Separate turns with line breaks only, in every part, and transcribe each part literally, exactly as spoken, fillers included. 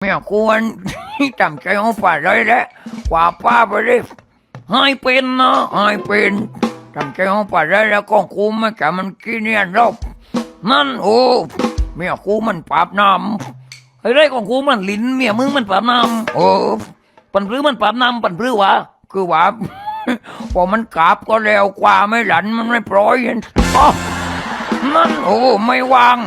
ไม่ควร จำใจเอาฝ่าเลยแหละกว่าป้าไปเลยให้เป็นนะให้เป็นจำใจเอาฝ่าเลยแล้วก็กูไม่แกมันกินเนี่ยรอบนั่นโอ้เมียกูมันปราบน้ำไอ้ไรของกูมันลิ้นเมียมึงมันปราบน้ำโอ้ปันพลื้มันปราบน้ำปันพลื้วะคือว่า พอมันกราบก็แล้วกว่าไม่หลันมันไม่ปล่อยอ๋อนั่นโอ้ไม่วาง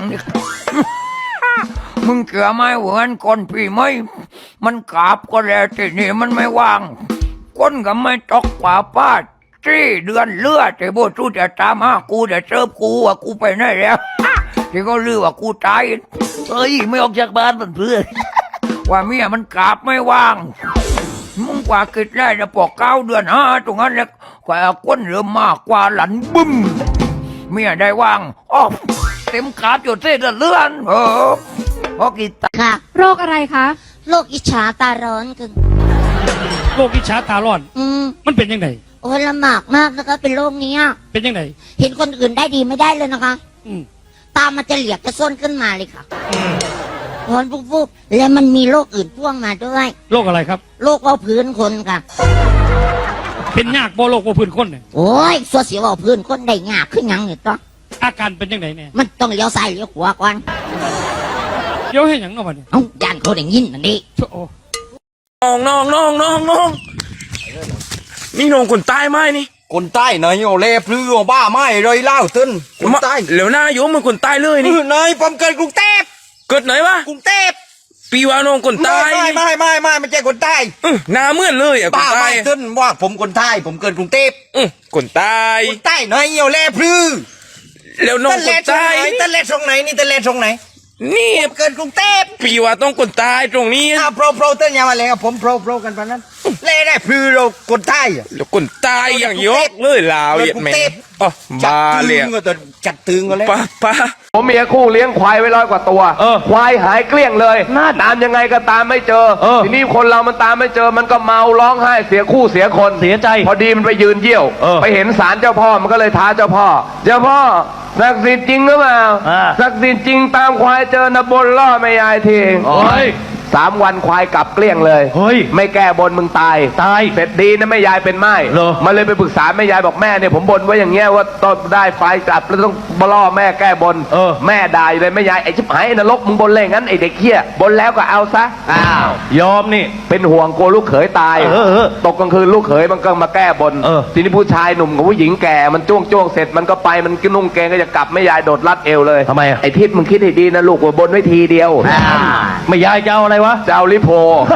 มึงเกี่ยวไม่เหมือนคนพี่ไม่มันกราบก็แล้วทีนี่มันไม่วางคนก็ไม่ตกกว่าป้าจี้เดือนเลือดแต่โบทูจะตามหากูจะเจอกูว่ากูไปไหนแล้ว ที่ก็ลือว่ากูตายเอ้ยไม่ออกจากบ้านเพื่อน ว่าเมียมันกราบไม่วางมึงกว่ากิดได้จะปอกเก้าเดือนห้าตรงนั้นแล้วกว่าก้นเริ่มมากกว่าหลันบึ้มเมียได้วางอ๋อเต็มกราบอยู่เส้นเลื่อนเออพอกินตา
ค่ะ
โรคอะไรคะ
โรคอิจฉาตาร้อนคือ
โรคอิจฉาตาร้อน
อืม
มันเป็นยังไง
โอ้ยลำบากมากนะคะเป็นโรคนี้อะ
เป็นยังไง
เห็นคนอื่นได้ดีไม่ได้เลยนะคะ
อืม
ตามันจะเหลียกจะส้นขึ้นมาเลยค่ะร้อนปุ๊บๆแล้วมันมีโรคอื่นพ่วงมาด้วย
โรคอะไรครับ
โรคเบาพื้นคนค่ะ
เป็นยากบ่โรคบ่พื้นคนเนี่ย
โอ้ยสัวเสียวเบาพื้นคนได้ยากขึ้นยังเนี่ยต้อง
อาการเป็นยังไงเนี่ย
มันต้องเลี้ยวซ้ายเลี้ยวขวาก่อน
เดี๋ยวให้หยังเนาะบัดนี้
เอ้าย่านเขาได้ยินอันนี้
โอ้
น้องน้องน้องน้องน้องนี่น้องคนใต้ไหมนี่
คนใต้ไหนเอาเล่พลือเอาบ้าไม่เลยเล่าตึนคนใต้
เหลวหน้าโยมมันคนใต้เลยนี่
ไหนผมเกิดกรุงเทพ
เกิดไหนวะ
กรุงเทพ
ปีว่าน้องคน
ไม่
ใต้
ไม่ไม่ไม่ไม่ไม่ใช่คนใต้
อื้อหน้าเหมือนเลยอ่ะคน
บ้า
ใต้
ไม่ตึนว่าผมคนใต้ผมเกิดกรุงเทพ
อื้อคนใต้
คนใต้ไหนเอาเล่พลือ
แล้วน้อง
ตะ
ค
เล่
น
ตรง
ใต้
ไหนตะเล่ตรงไหนนี่ตะเล่ตรงไหน
นี่
ผมเกิดกรุงเทพ
ปีว่าต้องคนใต้ตรงนี้
อ้าวโปรโปรเต้นยามาเลยครับผมโปรโปรกันปะนั้นเล่ได้พลือเราคนใต้อะ
แล้วคนใต้อย่างยกเลยลาวเหยียดแม่งอ๋อ
จัด
บา
ตึ
เลย
งก็จะจัดตึงก็เลย
ป้าป้า
ผมเมียคู่เลี้ยงควายไว้ร้อยกว่าตัว
เออ
ควายหายเกลี้ยงเลยตามยังไงก็ตามไม่เจอ
เออ
ทีนี้คนเรามันตามไม่เจอ มันก็เมาร้องไห้เสียคู่เสียคน
เสียใจ
พอดีมันไปยืนเยี่ยว
เออ
ไปเห็นศาลเจ้าพ่อมันก็เลยท้าเจ้าพ่อ เจ้าพ่อศักดิ์สิทธิ์จริงหรือเปล่า
อ่า
ศักดิ์สิทธิ์จริงตามควายเจอนะบนล่อไม่ยายที
โอ้ย
สามวันควายกลับเกลี้ยงเลย
เฮ้ย
ไม่แก้บนมึงตาย
ตาย
เสร็จดีนะแม่ยายเป็นไม้
เหรอ
มันเลยไปปรึกษาแม่ยายบอกแม่เนี่ยผมบนไว้อย่างเงี้ยว่าต้องได้ไฟกลับแล้วต้องบล่อแม่แก้บน
เออ
แม่ด่าอยู่เลยแม่ยายไอ้ชิบหายไอ้นรกมึงบนเลยงั้นไอ้เด็กเหี้ยบนแล้วก็เอาซะอ้าวย
อมนี่
เป็นห่วงกลัวลูกเขยตาย
เออเออ
ตกกลางคืนลูกเขยมันก็มาแก้บน
เออ
ทีนี้ผู้ชายหนุ่มกับผู้หญิงแก่มันจ้วงจ้วงเสร็จมันก็ไปมันก็นุ่งเกงก็จะกลับแม่ยายโดดรัดเอวเลย
ทำไมอะ
ไอ้ทิศมึงคิดให้ดีนะลูกว่าบนไว้ทีเดียว
ไม่ยายจะเอาอะไรวะ
จะเอาลิโพ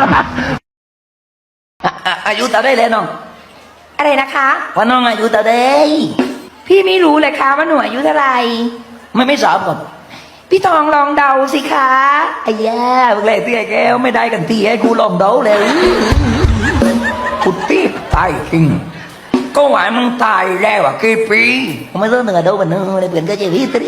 อายุเท่าได้เลยน้อง
อะไรนะคะ
ว่าน้องอายุเท่าได้
พี่ไม่รู้เลยคะว่าหนูอายุเท่าไหร่
ไม่ไม่สอบก่อน
พี่ทองลองเดาสิคะ
ไอ้ย่าพวกแรกที่ไอ้แก้วไม่ได้กันทีให้กูลองเดาเลยกูตีตายจริงก็หวายมึงตายแล้วอ่ะกี่ปีไม่ต้องเหนือเดาบันเนอเลยเปลี่ยนก็จะวิตรี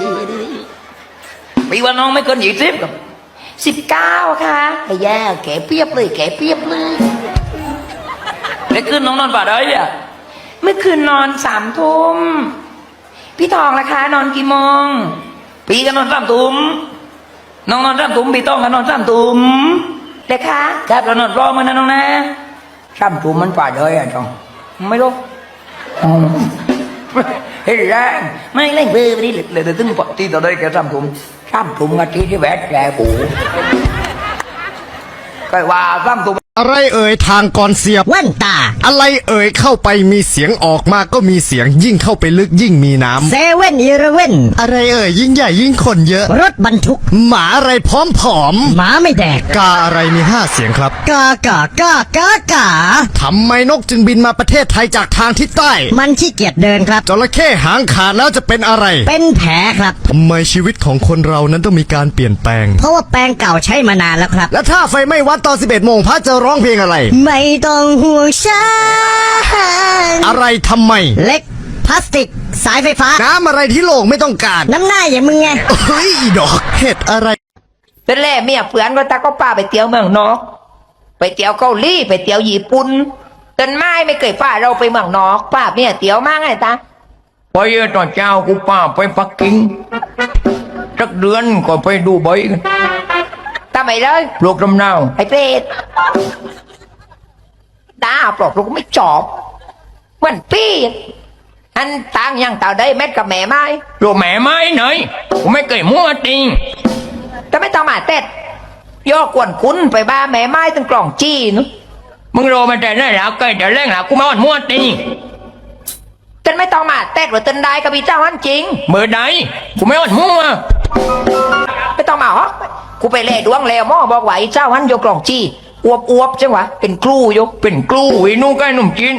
ปีว่าน้องไม่เกินยี่สิบกับ
สิบเก้าค่ะ
ไอ้ย่าแกเปียบเลยแกเปียบเลยแล้วขึ้นน้องนอนป่าได้อ่ะ
เมื่อคืนนอนสามทุ่มพี่ทองล่ะคะนอนกี่โมง
ปีก็นอนสามตุ้มน้องนอนสามตุ้มปีต้องกันนอนสามตุ้ม
เลยคะ
ครับเรานอนรอมันนะน้องนะสามตุ้มมันป่าเลยอ่ะจองไม่รู้อ๋อเฮ้ยแรงไม่เล่นเบอร์ไปดิเลยเดี๋ยวตึงปกติต่อได้แค่สามตุ้มสามตุ้มอาทิตย์ที่แวดแกกูก็ว่าสามตุ้ม
อะไรเอ่ยทางก่อนเสียบ
แว่นตา
อะไรเอ่ยเข้าไปมีเสียงออกมาก็มีเสียงยิ่งเข้าไปลึกยิ่งมีน้
เซเว่นอีเลเว่น
ำอะไรเอ่ยยิ่งใหญ่ยิ่งคนเยอะ
รถบรรทุก
หมาอะไรพร้อมผอม
หมาไม่แดก
กาอะไรมีห้าเสียงครับ
กากากากากา
ทำไมนกจึงบินมาประเทศไทยจากทางทิศใต้
มันขี้เกียจเดินครับ
จระเข้หางขาดแล้วจะเป็นอะไร
เป็นแผลครับ
ทำไมชีวิตของคนเรานั้นต้องมีการเปลี่ยนแปลง
เพราะว่าแปรงเก่าใช้มานานแล้วครับ
และถ้าไฟไม่วัดตอนสิบเอ็ดโมงพระจะร้องเพลงอะไร
ไม่ต้องห่วงฉัน
อะไรทำไม
เล็กพลาสติก สายไฟฟ้า
น้ำอะไรที่โลกไม่ต้องการ
น้ำหน้าอย่างมึงไง
เฮ้ยอีดอกเห็ดอะไร
เป็นแร่เมียเพื่อนก็ตาก็ป้าไปเที่ยวเมืองนอก ไปเที่ยวเกาหลีไปเที่ยวญี่ปุ่นต้นไม้ไม่เคยป้าเราไปเมืองนอกป้าเมียเที่ยวมากไงตา
ไปตอนเช้ากูป้าไปปักกิ่งสักเดือนก็ไปดูใบกัน
ทไม่เลย
ปลูกลำเนา
ไอ้เปรตด่าปลอกลูกไม่จอบเหมือนพี่อันต่างยังต่าได้เม็ดกับแม่ไม้
ปลูกแม่ไม้หน่อยกูไม่เคยมั่วจริง
แต่ไม่ต้องมาเต็ดย่อกวนคุณไปบ้าแม่ไม้ตั้งกล่องจี้นุ
มึงโรมาแต่นั่นแล้วเคยแต่แรงแล้วกูไม่อ่อนมั่วจริง
จนไม่ต้องมาเต็ดหรือตันได้กับพี่เจ้าอันจริง
เมื่อใดกูไม่อ่อนมั่ว
ไม่ต้องมาฮะกูไปเล่ดวงแล้วหม่อบอกว่าไอ้เจ้าหันโยกกล่องจี้อวบอวบๆจังหวะเป็นครูโยก
เป็นกลูไอ้นุ่งใกล้หนุ่มจีน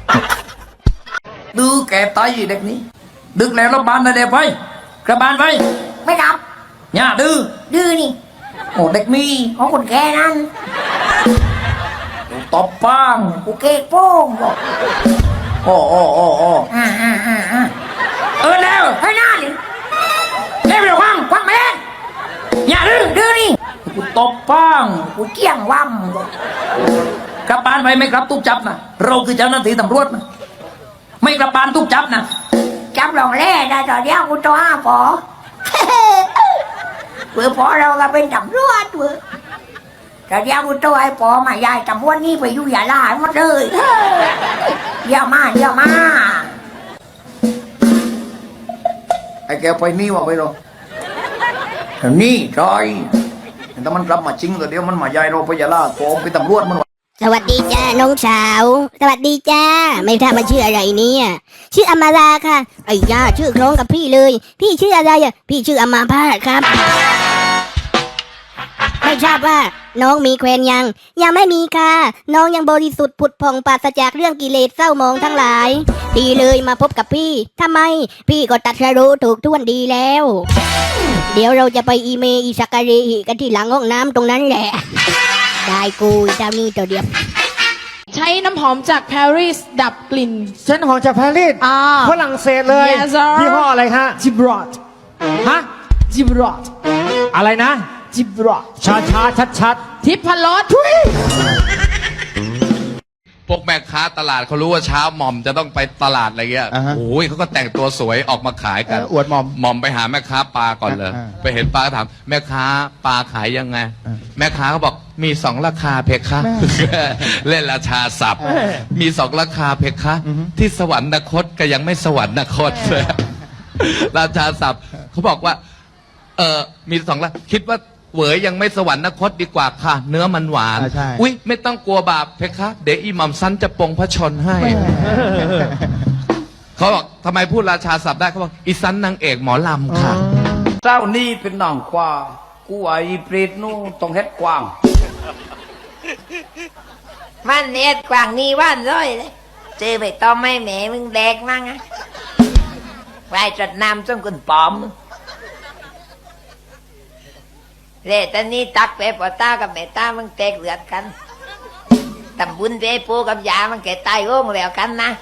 ดื้อแกตายเด็กนี้ดึกแล้วรบบานนะเด็กไปกระบานไป
ไม่รับ
อย่าดื้อ
ดื้อนี่
โอ้เด็กมี
ของคนแก่นั้น
ตบป้าง
กูเก๊กโป้งบอก
โอ้โอ้โอ้โอ้
อ่าอ่าอ่าอ่า
เออแล้ว
เฮ้ยหน้าดิ
เร็วเร็วควังควังไปเลยอย่าดื้อ
ดื้อนี่
กูตบป้าง
กูเกี้ยงว่ำบอก
กลับบ้านไปไม่กลับตุกจับนะเราคือเจ้าหน้าที่ตำรวจนะไม่กลับบ้านตุกจับนะ
จับลองแร่ได้ตอนเดียวกูตัวห้าปอ เผื่อพอเราก็เป็นตำรวจเผื่อแต่เดี๋ยวกูตัวไอ้ปอมายายตำรวจนี่ไปอยู่อย่าล่าให้หมดเลยเดี๋ยวมาเดี๋ยวมา
ไอ้แกไปนี่วะไปหรอนี่ใช่แต่มันกลับมาจริงแต่เดี๋ยวมันมายายเราไปยาลาผมไปตำรวจมัน
สวัสดีจ้าน้องสาว สวัสดีจ้า ไม่ทราบมาชื่ออะไรเนี่ยชื่ออมาราค่ะไอ้ย่าชื่อคล้องกับพี่เลย พี่ชื่ออะไรอ่ะพี่ชื่ออมาพาสครับ ไม่ทราบว่าน้องมีแควนยัง ยังไม่มีค่ะ น้องยังบริสุทธิ์ผุดผ่องปราศจากเรื่องกิเลสเศร้าหมองทั้งหลาย ดีเลยมาพบกับพี่ทำไม พี่ก็ตัดสรู้ถูกท่วนดีแล้ว เดี๋ยวเราจะไปอีเมอีสักการีกันที่หลังห้องน้ำตรงนั้นแหละ ได้กูเจ้านี่ตัวเดียว
ใช้น้ำหอมจากปารีสดับกลิ่น
เส้นหอมจากปารีส
อ่า
ฝรั่งเศสเลย
Yes, sir
ยี่ห้ออะไรคะ
จิบรอต
ฮะ
จิบรอต
อะไรนะ
จิบรอต
ช้าช้าชัดชัด
ทิพรสทุย
พวกแม่ค้าตลาดเขารู้ว่าเช้าหม่อมจะต้องไปตลาดอะไรเงี้ยโอ้ยเขาก็แต่งตัวสวยออกมาขายกัน
อวดหมอม
หม่อมไปหาแม่ค้าปลาก่อนเลย
อ่า
ไปเห็นปลาก็ถามแม่ค้าปลาขายยังไง แม่ค้าเขาบอกมีสองราคาเพคะ เล่นราชาศัพท์ มีสองราคาเพคะ ที่สวรรคตก็ยังไม่สวรรคต ราชาศัพท์เขาบอกว่า เออมีสองราคิดว่าเหวยยังไม่สวรรคตดีกว่าค่ะ เนื้อมันหวาน
อ่าใช่
อุ๊ย ไม่ต้องกลัวบาปเพคะเดี๋ยวอีหม่อมสั้นจะปรงพระชนให้ เขาบอกทำไมพูดราชาศัพท์ได้เขาบอกอีสันนางเอกหมอลำค่ะ
เจ้านี่เป็นนางกว่ากูไอ้เปรตนู่ต้องเฮ็ดกว้าง
มันเน็ตกว่างนี่ว่านร้อยเลยเจอไปต้อมไม่แหม่มึงแดกมั่งอะไปจัดน้ำส้มกุนปอมเร่ตอนนี้ตักไปปอต้ากับแม่ต้ามึงแตกเลือดกันตำบุญไปปูกับยามันแก่ตายโง่งแล้วกันนะ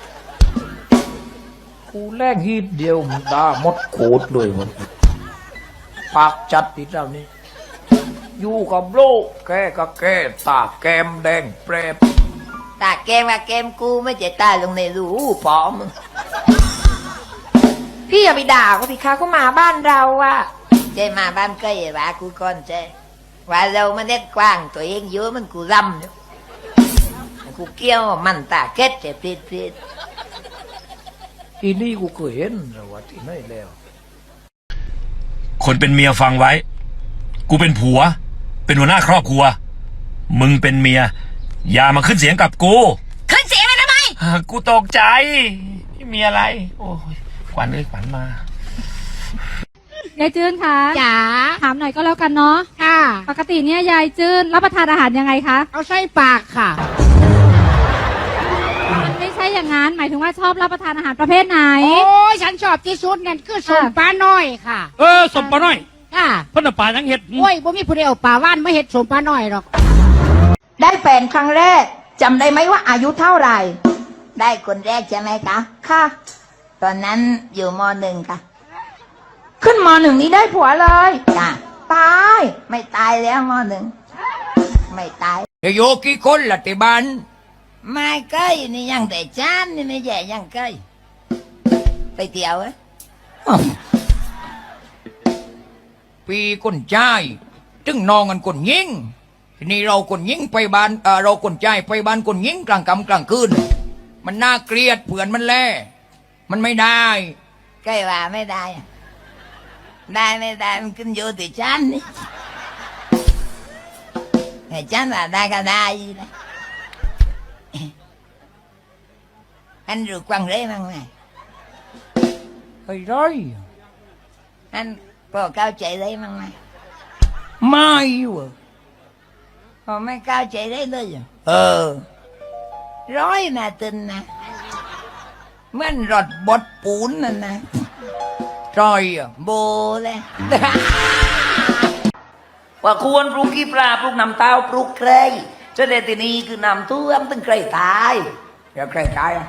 กูแลกฮีดเดียวมันตาหมดโคตรเลยมันปากจัดติดแล้วนี่อยู่กับโลกแกก็แกตาแกมแดงแปรบ
ตาแกมว่าแกมกูไม่จะตายลงในรูปอมงพี่อย่าไปด่าเขาพี่คะเขามาบ้านเราอะเจมาบ้านใกล้ว่ากูก่อนเจว่าเรามันเน็ตกว้างตัวเองเยอะมันกูรำอยู่กูเกี้ยวมันตาเก็ดเจ็บปลิดปลิด
อีนี่กูเคยเห็นแต่ว่าที่ไหนแล้ว
คนเป็นเมียฟังไว้ กูเป็นผัว เป็นหัวหน้าครอบครัว มึงเป็นเมีย อย่ามาขึ้นเสียงกับกู
ขึ้นเสียงเลยทำไม
อ่ากูตกใจไม่มีอะไร โอ้ยขวัญเอ้ยขวัญมา
ยายจื้นคะ
จ๋า
ถามหน่อยก็แล้วกันเนาะ
ค่ะ
ปกติเนี่ยยายจื้นรับประทานอาหารยังไงคะ
เอาใส่ปากค่ะ
ไม่ใช่อย่างนั้น หมายถึงว่าชอบรับประทานอาหารประเภทไหน
โอ้ยฉันชอบที่สุดนั่นคือสมปลาน้อยค่ะ
เออสมปลาน้อย
ค่ะ
เพิ่นนะปลายังเห็ด
โอ้ยบ่มีผู้ใดเอาปลาว่านมาเห็ดสมปลาน้อยหรอก
ได้แฟนครั้งแรกจำได้ไหมว่าอายุเท่าไหร่ ได้คนแรกใช่ไหมคะค่ะ ตอนนั้นอยู่มหนึ่งค่ะ ขึ้นมหนึ่งนี้ได้ผัวเลยจ้ะตายไม่ตายแล้วมหนึ่งไม่ตาย
เดี๋ยวโยกี่คนละที่บ้าน
ไม่เกยนี่ยังแต่จานนี่ไม่แย่ยังเกยไปเที่ยวเอ้ย
ปีคนใจายเจจึงนองกันคนยิงทีนี้เราคนยิงไปบ้านเอ่อเราคนใจไปบ้านคนยิงกลางค่ำกลางคืนมันน่าเกลียดเผื่อนมันแล่มันไม่ได้
ใกล้ว่าไม่ได้อะได้ไม่ได้มันขึ้นอยู่ที่ฉันนี่ไอ้ฉันว่าได้ก็ได้นะอันรู้กวางเลยมั้งไหม
ไอ้ร้อย
อันพอเข้าใจได้มั้งไหม
ไม่เวะ
พอไม่เข้าใจได้เลยเหรอ
เออ
ร้อยนะตึนนะเหมื่อนรถบดปูนนั่นนะ
จอยอ่ะ
โบเลย
ว่าควรปลูกขี้ปลาปลูกน้ำเต้าปลูกเครยเจ้าเดตินีคือน้ำท่วมตึงเครยตาย
อย่าใกล้ตายอ่ะ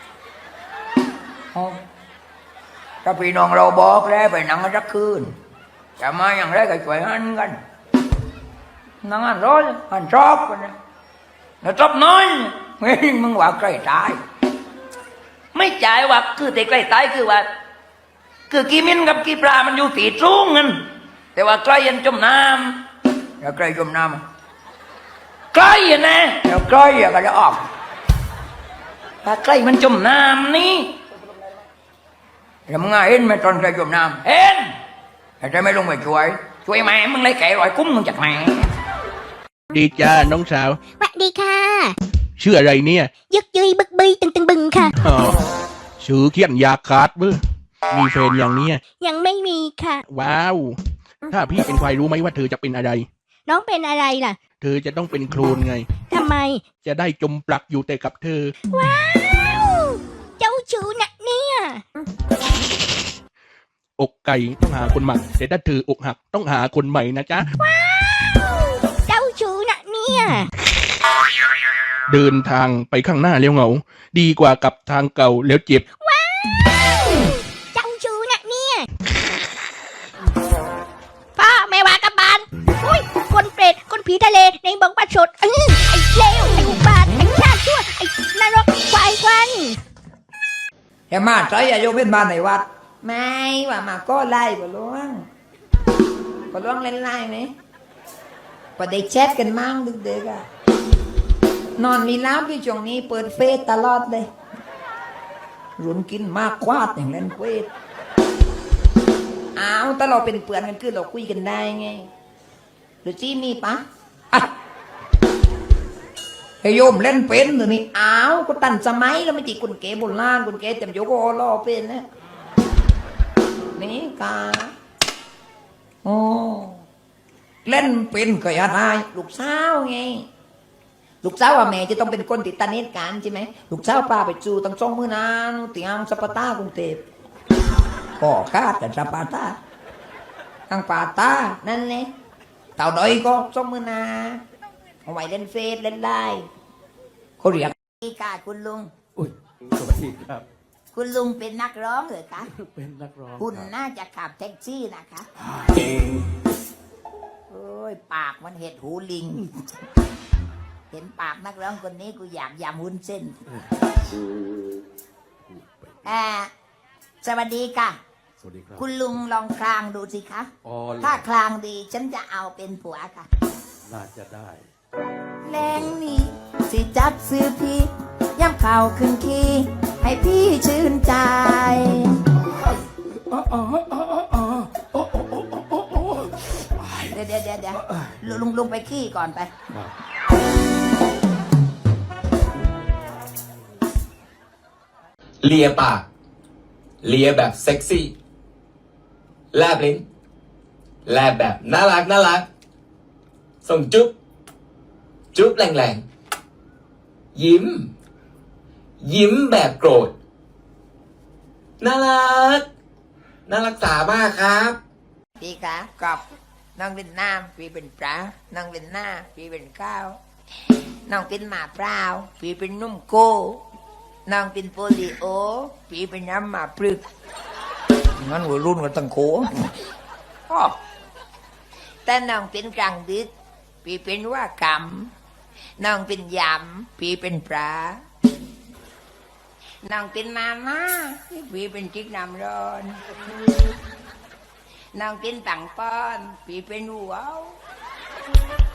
เอาถ้าพี่น้องเราบอกแล้วไปนั่งกันสักคืนจะมาอย่างไรก็ช่วยหันกันนั่งหันร้อยหันชอบกันนะแล้วชอบน้อยเฮ้ยมึงว่าใกล้ตาย
ไม่จ่ายว่าคือแต่ใกล้ตายคือว่า คือกีมินกับกีปลามันอยู่ตีสูงกันแต่ว่าใกล้ยันจมน้
อย่าใกล้จมน้ำ
ำใกล้ยันนะ
อย่าใกล้อย่าก็จะออก
ถ้าใกล้มันจมน้ำนี่
ทำไงเห็นไหมตอนใกล้จมน้ำ
เอ็น
แต่จะไม่ลงไปช่วย
ช่วยแม่มึงเลยแก่รอยคุ้มมึงจากไหน
ดีจ้าน้องสาว
สวัสดีค่ะ
ชื่ออะไรเนี่ย
ยึกยืยบึกบึยตึงตึงบึงค่ะ
อ๋อชื่อเขียนยาขาดเบ้อมีแฟนอย่างเนี้ย
ยังไม่มีค่ะ
ว้าว ถ้าพี่เป็นใครรู้ไหมว่าเธอจะเป็นอะไร
น้องเป็นอะไรล่ะ
เธอจะต้องเป็นโคลนไง
ทำไม
จะได้จมปลักอยู่แต่กับเธอ
ว้าว เจ้าชู้นะเนี่ย
อกไก่ต้องหาคนใหม่แต่ถ้าเธออกหักต้องหาคนใหม่นะจ๊ะ
ว้าว เจ้าชู้นะเนี่ย
เดินทางไปข้างหน้าแล้วเหงา ดีกว่ากับทางเก่าแล้วเจ็บ
ว้าว เจ้าชู้นะเนี่ยพ่อไม่ว่ากับบ้านอุ้ยคนเปรตคนผีทะเลในบอกว่าสดอื้อไอ้เลวไอ้อุบาทไอ้ชาติชั่วไอ้นรกควายควัน
แกมาใจอย่าโยมเป็นบ้านในวัด
ไม่ว่ามาก็ไล่บ่ล่วงบ่ล่วงเล่นไล่ไหมบ่ได้แชทกันมั่งดึกๆอ่ะนอนมีล้าพี่ช่วงนี้เปิดเฟซตลอดเลย
รุนกินมากควาดอย่างเล่นเควส
อ้าวถ้าเราเป็นเพื่อนกันคือเราคุยกันได้ไงหรือจี้มีปะ
ไอโยมเล่นเป็นหรือนี่
อ้าวก็ตันสมัยแล้วไม่จีกุนเก๋โบราณกุนเก๋จำโยกโอรอเป็นนะนี่กา
โอ้เล่นเป็นก็อย่าได้
ลูกสาวไงลูกสาวว่าแม่จะต้องเป็นคนติดตาเนตกันใช่ไหมลูกสาวป้าไปจูตั้งสองมือนานเตียงสปาต้ากรุงเทพ
ก็คาดแต่สปาตาตั้งปาตา
นั่นเลย
เต่าดอยก็
สองมือนาเอาไว้เล่นเฟซเล่นไลน์
เขาเรียก
นี่ค่ะคุณลุง
อุ้ยสวัสดีครับ
คุณลุงเป็นนักร้องเหรอคะ
เป็นนักร้อง
คุณน่าจะขับแท็กซี่นะคะโอ้ยปากมันเห็ดหูลิง เห็นปากนักร้องคนนี้กูอยากยำวุ้นเส้นอ่าสวัสดีค่ะ
สวัสดีครับ
คุณลุงลองคลางดูสิคะ
อ๋อ
ถ้าคลางดีฉันจะเอาเป็นผัวค่ะ
น่าจะได้
แรงนี้สิจัดซื้อพี่ย่ำข่าวขึ้นคีให้พี่ชื่นใจเดี๋ยวเดี๋ยวเดี๋ยวเดี๋ยวลุงลุงไปขี้ก่อนไป
เลียปาก เลียแบบเซ็กซี่ แลบลิ้น แลบแบบน่ารักน่ารัก ส่งจุ๊บ จุ๊บแรงๆ ยิ้ม ยิ้มแบบโกรธ น่ารัก น่ารักษามากครับ
พี่คะกับน้องเป็นน้ำพี่เป็นปลาน้องเป็นหน้าพี่เป็นข้าวน้องเป็นหมาเปล่าพี่เป็นนุ่มโกน้องเป็นโปลิโอพี่เป็นน้ำหมาปลึก
งั้นวัยรุ่นกันตั้งโข
แต่น้องเป็นกลางดึกพี่เป็นว่ากำน้องเป็นยำพี่เป็นปลาน้องเป็นมาม่าพี่เป็นจิ๊กน้ำร้อนน้องเป็นตังป้อนพี่เป็นหัว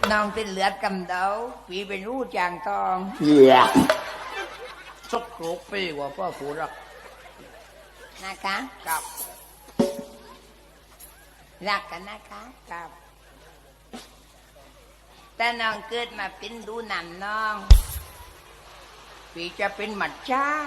น้องเป็นเลือดกำเดาพี่เป็นรูจางทองสกโครกปีกว่าพ่อผู้รักนะคะกับรักกันนะคะกับแต่น้องเกิดมาเป็นดูหนันน้องพี่จะเป็นหมัดจ้า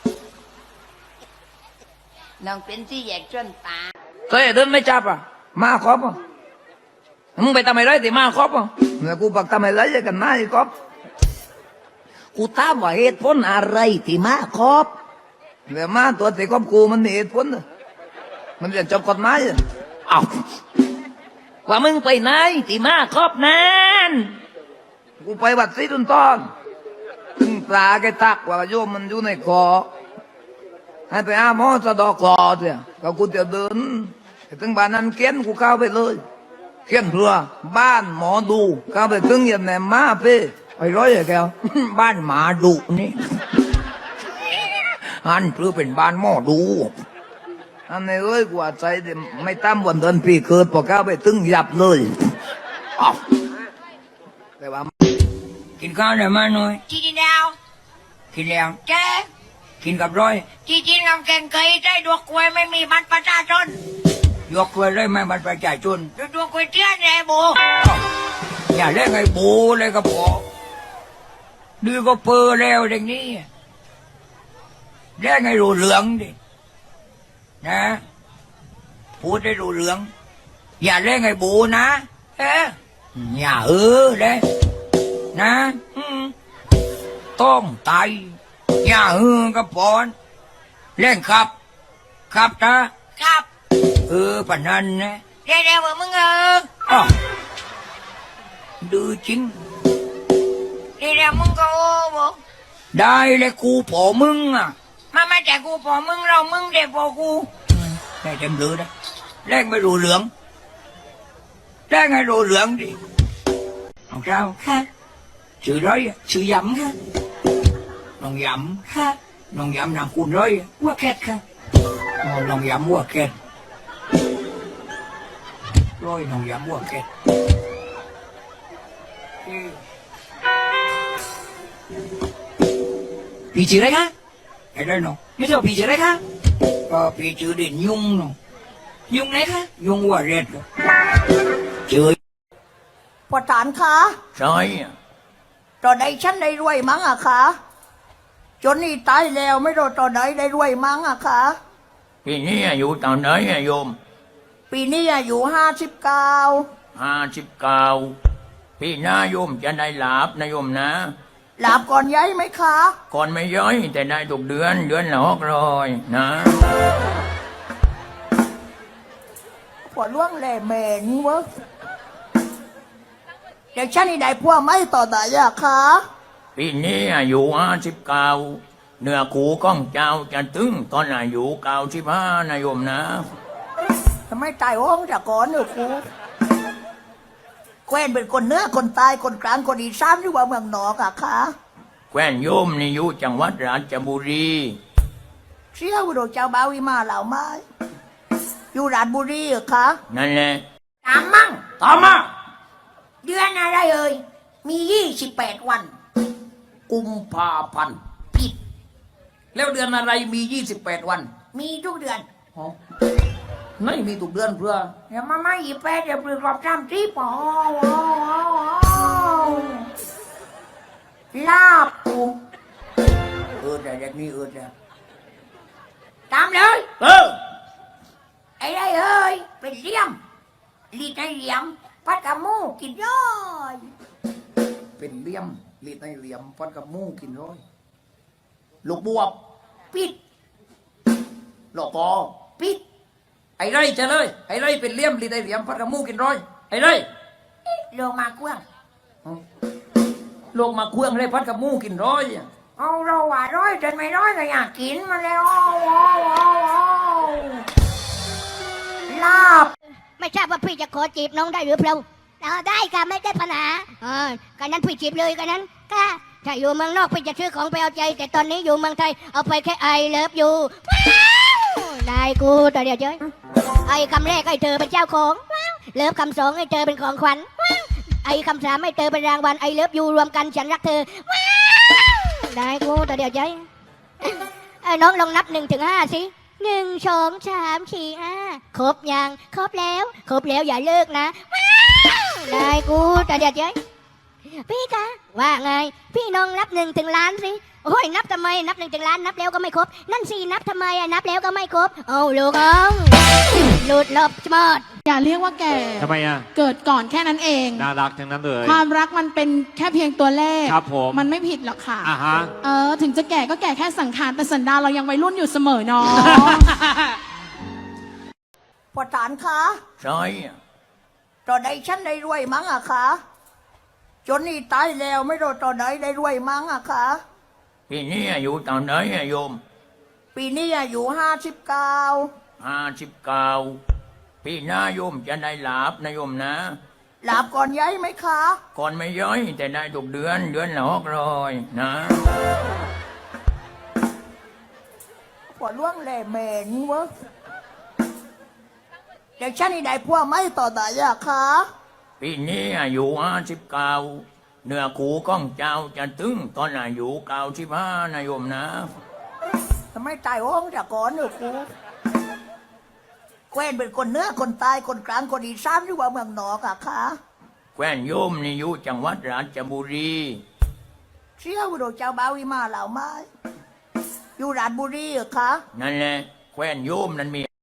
น้องเป็นที่แยกจนตา
เคยเดินไม่จับอ่ะมาครบอ่ะมึงไปทำไมไรที่มาครบอ่ะเนี่ยกูปักทำไมไรกันมาไอ้ครบกูถามว่าเหตุผลอะไรที่มาครบเนี่ยมาตัวที่ครบกูมันมีเหตุผลน่ะมันจะจบกฎหมายอ่ะอ้าวว่ามึงไปไหนที่มาครบนั้นกูไปวัดศรีตุนตอนถึงปลาแกตักว่าโยมมันอยู่ในคอให้ไปอาหมอสะดอกคอเสียก็กูจะเดินไปถึงบ้านนั้นเขียนกูเข้าไปเลยเขียนเพื่อบ้านหมอดูเข้าไปถึงยันแหนมาเป้ไอ้ร้อยไอ้แก้ว บ้านหมาดุนี่ อันเพื่อเป็นบ้านหมอดูอันนี้เอ้ยกว่าใจเดี๋ยวไม่ตั้มวันเดินปีเกิดพอเข้าไปถึงยับเลยอ้าวแต่ว่ากินข้าวได้ไหมหน่อย
จีนแล้ว
กินแล้ว
เจ๊
กินกับร้อย
จีจีนกับแกงเคยได้ดวกกล้วยไม่มีบัตรประชาชน
ยกไว้เลยไหมบัตรประชาชน
ดวกกล้วยเตี้ยนไอ้โบ
อย่าเล่นไอ้บูเลยก็พอดื้อก็เปอแล้วอย่างนี้เล่นไอ้รูเหลืองดินะพูดได้รูเหลือง อย่าเล่นไอ้บูนะเอ๊ะอย่าเออเลยนะอืมต้องตายอย่าเออก็พอนเล่นครับครับนะครับ เออปะนันนะ
เดี๋ยวเดี๋ยวมึงเออ
อ้าวดื้อจริง
เดี๋ยวเดี๋ยวมึงก็โอ้โบ
ได้เลยกูพอมึงอ่ะ
มามาแต่กูพอมึงเรามึงเด็กพอกู
ได้เต็มเลยนะแรงไม่รู้เหลืองแรงให้รู้เหลืองดิน้องเจ้า
ค่ะ
ชื่อร้อยอะชื่อย
ำค่ะ
ำน้องย
ค่ะ
ำน้องยำนามคุณร้อยอะ
ว่าแคทค่ะ
อ๋อน้องยำวัวแกนร้อยน้องยำวัวแกนเอ้ยพี่ชื่ออะไรคะไอ้ได้น้อง
ไม่ใช่ผีใช่ไหมคะ
ก็พี่ชื่อเด่นยุงน้อง
ยุงไหนคะ
ยุงวัวเร็ดอะชื่อ
ปอดฐานคะ
ใช่อะ
ตอนใดฉันได้รวยมั้งอะคะจนนี่ตายแล้วไม่รู้ตอนไหนได้รวยมั้งอะคะ
พี่นี่อายุตอนไหนอะโยม
ปีนี้อายุห้าสิบเก้า
ห้าสิบเก้าพี่นาโยมจะได้หลาบนะโยมนะ
หลาบก่อนย้ายไหมคะ
ก่อนไม่ย้อยแต่ได้ทุกเดือนเดือนละหกร้อยนะ
ปวดล่วงแหล่เหม็นเวะเดี๋ยวฉันนี่ได้พวกไม่ต่อไหนอะคะ
ปีนี้อายุห้าสิบเก้าเนื้อคูก้องเจ้าจะถึงตอนอายุเก้าสิบห้านะโยมนะ
ทำไมตายห้องจากก่อนเนอะครูแควนเป็นคนเหนื้อคนตายคนกลางคนอีสานหรือว่าเมืองนอกอะคะ
แคว้นโยมนี่อยู่จังหวัดราชบุรี
เชี่ยวโดเจ้าบ่าววิมาเหล่าไม้อยู่ราชบุรีเหรอคะ
นั่นแหละ
ตามมั่ง
ตามมา
เดือนอะไรเอ่ยมียี่สิบแปดวัน
กุมภาพันธ์
ผิด
แล้วเดือนอะไรมียี่สิบแปดวัน
มีทุกเดือน
อ๋อไม่มีทุกเดือนเพื่อ
เดี๋ยวมาไม่ยี่แปดเดี๋ยวปลือกรอบจำที่ปอลาบปู
เออแต่เด็กนี่เออแต่
ตามเลย
เออ
ไอ้ไรเอ้ยเป็นเหลี่ยมลีดในเหลี่ยมพัดกับหมูกินย่อย
เป็นเหลี่ยมลีดในเหลี่ยมฟันกับหมูกินร้อยลูกบวบ
ปิด
หลอกคอ
ปิด
ไอ้ไรจะเลยไอ้ไรเป็นเหลี่ยมลีดในเหลี่ยมฟันกับหมูกินร้อยไอ้ไร
โลมากว้าง
ลงมาเครื่องเลยพัดกับหมูกินร้อยอะ
เอาเราว่าร้อยจนไม่ร้อยก็อยากกินมันแล้วอ้าวอ้าวอ้าวอ้าวลาบ
ไม่ทราบว่าพี่จะขอจีบน้องได้หรือเปล่าเออได้ค่ะไม่ได้ปัญหาเออกันนั้นพี่จีบเลยกันนั้นค่ะถ้าอยู่เมืองนอกพี่จะซื้อของไปเอาใจ แต่ตอนนี้อยู่เมืองไทยเอาไปแค่ไอเลิฟอยู่ว้าวได้กูตัวเดียวเจ้ยไอคำแรกให้เธอเป็นเจ้าของว้าวเลิฟคำสองให้เธอเป็นของขวัญว้าวไอ้คำสามไม่เธอเป็นรางวัลไอเลิฟยูรวมกันฉันรักเธอว้าวได้กูแต่เดี๋ยวใจเอ้ยน้องลองนับหนึ่งถึงห้าสิหนึ่งสองสามสี่ห้าครบยังครบแล้ว ครบแล้วอย่าเลิกนะว้าวได้กูแต่เดี๋ยวใจพี่คะว่าไง พี่น้องนับหนึ่งถึงล้านสิโอ้ยนับทำไมนับหนึ่งถึงล้านนับแล้วก็ไม่ครบ นั่นสินับทำไมอะนับแล้วก็ไม่ครบเอาลูกน้องหลุดลบชมด
อย่าเรียกว่าแก่
ทำไมอ่ะ
เกิดก่อนแค่นั้นเอง
น่ารักทั้งนั้นเลย
ความรักมันเป็นแค่เพียงตัวเลข
ครับผม
มันไม่ผิดหรอกค่ะ
อ่าฮะ
เออ ถึงจะแก่ก็แก่แค่สังขารแต่สันดานเรายังวัยรุ่นอยู่เสมอเนาะ
ปฐานคะ
ใช่
ตอนใดฉันได้รวยมั้งอะคะจนนี่ตายแล้วไม่รู้ตอนไหนได้รวยมั้งอะคะ
ปีนี้อายุตอนไหนอะโยม
ปีนี้อายุห้าสิบเก้า
ห้าสิบเก้าปีหน้าโยมจะได้หลาบนะโยมนะ
หลับก่อนย้ายไหมคะ
ก่อนไม่ย้อยแต่ได้ทุกเดือนเดือนละหกร้อยนะ
ปวดล่วงแหล่เหม็นเวะเด็กฉันนี่ได้พวกไม่ต่อไหนอะคะ
ปีนี้อายุห้าสิบเก้าเนื้อคูก้องเจ้าจะตึงตอนอายุเก้าสิบห้านะโยมนะ
ทำไมตายห้องจากก่อนเนอะครูแควนเป็นคนเนื้อคนตายคนกลางคนอีสานหรือว่าเมืองนอกอะคะ
แคว้นโยมนี่อยู่จังหวัดราชบุรี
เชี่ยวโดเจ้าบ่าววิมาเหล่าไม้อยู่ราชบุรีเหรอคะ
นั่นแหละแคว้นโยมนั้นมี